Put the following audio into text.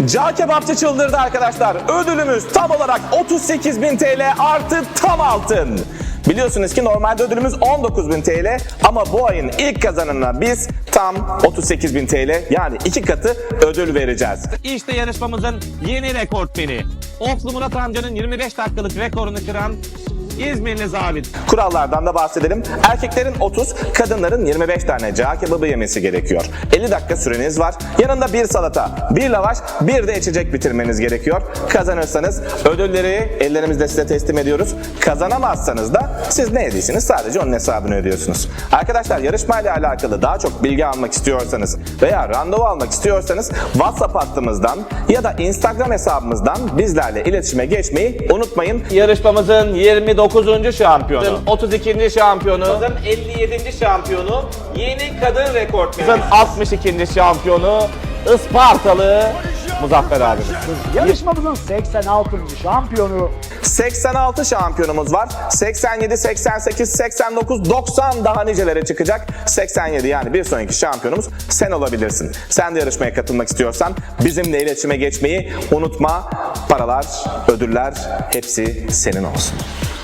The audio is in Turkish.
Cağ kebapçı çıldırdı arkadaşlar. Ödülümüz tam olarak 38.000 TL artı tam altın. Biliyorsunuz ki normalde ödülümüz 19.000 TL ama bu ayın ilk kazananına biz tam 38.000 TL yani 2 katı ödül vereceğiz. İşte yarışmamızın yeni rekortmeni. Oflu Murat amcanın 25 dakikalık rekorunu kıran İzmirli zabit. Kurallardan da bahsedelim. Erkeklerin 30, kadınların 25 tane cağ kebabı yemesi gerekiyor. 50 dakika süreniz var. Yanında bir salata, bir lavaş, bir de içecek bitirmeniz gerekiyor. Kazanırsanız ödülleri ellerimizle size teslim ediyoruz. Kazanamazsanız da siz ne yediyseniz sadece onun hesabını ödüyorsunuz. Arkadaşlar yarışmayla alakalı daha çok bilgi almak istiyorsanız veya randevu almak istiyorsanız WhatsApp hattımızdan ya da Instagram hesabımızdan bizlerle iletişime geçmeyi unutmayın. Yarışmamızın 29. şampiyonu, 32. şampiyonu, 57. şampiyonu, yeni kadın rekortmeni, 62. şampiyonu, Ispartalı Muzaffer abimiz. Yarışmamızın 86. şampiyonu 86 şampiyonumuz var. 87, 88, 89, 90 daha nicelere çıkacak. 87 yani bir sonraki şampiyonumuz sen olabilirsin. Sen de yarışmaya katılmak istiyorsan bizimle iletişime geçmeyi unutma. Paralar, ödüller hepsi senin olsun.